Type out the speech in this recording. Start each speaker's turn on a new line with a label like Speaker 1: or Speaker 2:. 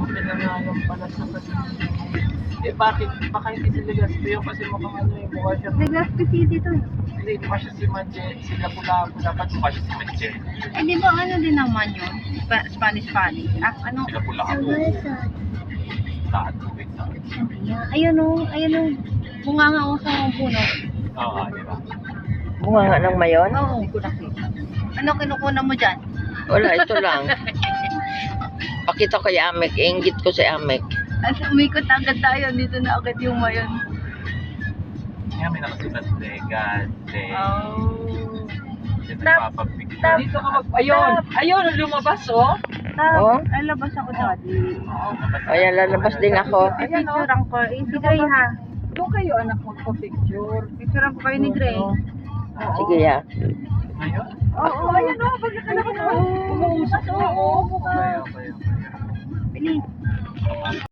Speaker 1: Pinangalan pala sa kanila. Eh bakit? Baka hindi si Legazpi yun kasi mukhang ano eh, mukha siya.
Speaker 2: Legazpi City to.
Speaker 1: Hindi, mukha siya si Manje, sila Lapu-Lapu, dapat mukha siya si Manje.
Speaker 2: Eh, di ba ano din naman yun? Spanish. Ah, ano?
Speaker 1: Sila Lapu-Lapu. Lahat tubig na.
Speaker 2: Ayun o, bunga nga ako sa puno.
Speaker 1: Oo, di ba?
Speaker 3: Bunga nga ng mayon?
Speaker 2: Oo, hindi ko nakita. Ano kinukuna mo dyan?
Speaker 3: Wala, ito lang. Pakita ko yung Amek. Inggit ko si Amek.
Speaker 2: At umikot agad tayo, dito na agad yung mayon.
Speaker 1: Kaya may nakasibat Legazpi.
Speaker 2: Oh.
Speaker 1: Dito
Speaker 2: Tap,
Speaker 1: papapicture. Dito ka mag... Ayun! Ayun! Lumabas oh!
Speaker 3: Oh?
Speaker 2: Ay, labas ako daddy.
Speaker 1: Oo,
Speaker 3: Ayan, lalabas din ako.
Speaker 2: Ayan o. Picture ko. Eh, si Gray ha.
Speaker 1: Doon kayo anak magpa-picture.
Speaker 2: Picture ko kayo ni Gray.
Speaker 3: Sige ya.
Speaker 1: Ngayon?
Speaker 2: Oo, ayan o. Pag nakalabas ako.
Speaker 1: Umuusap na. Oo, okay.
Speaker 2: Bilis.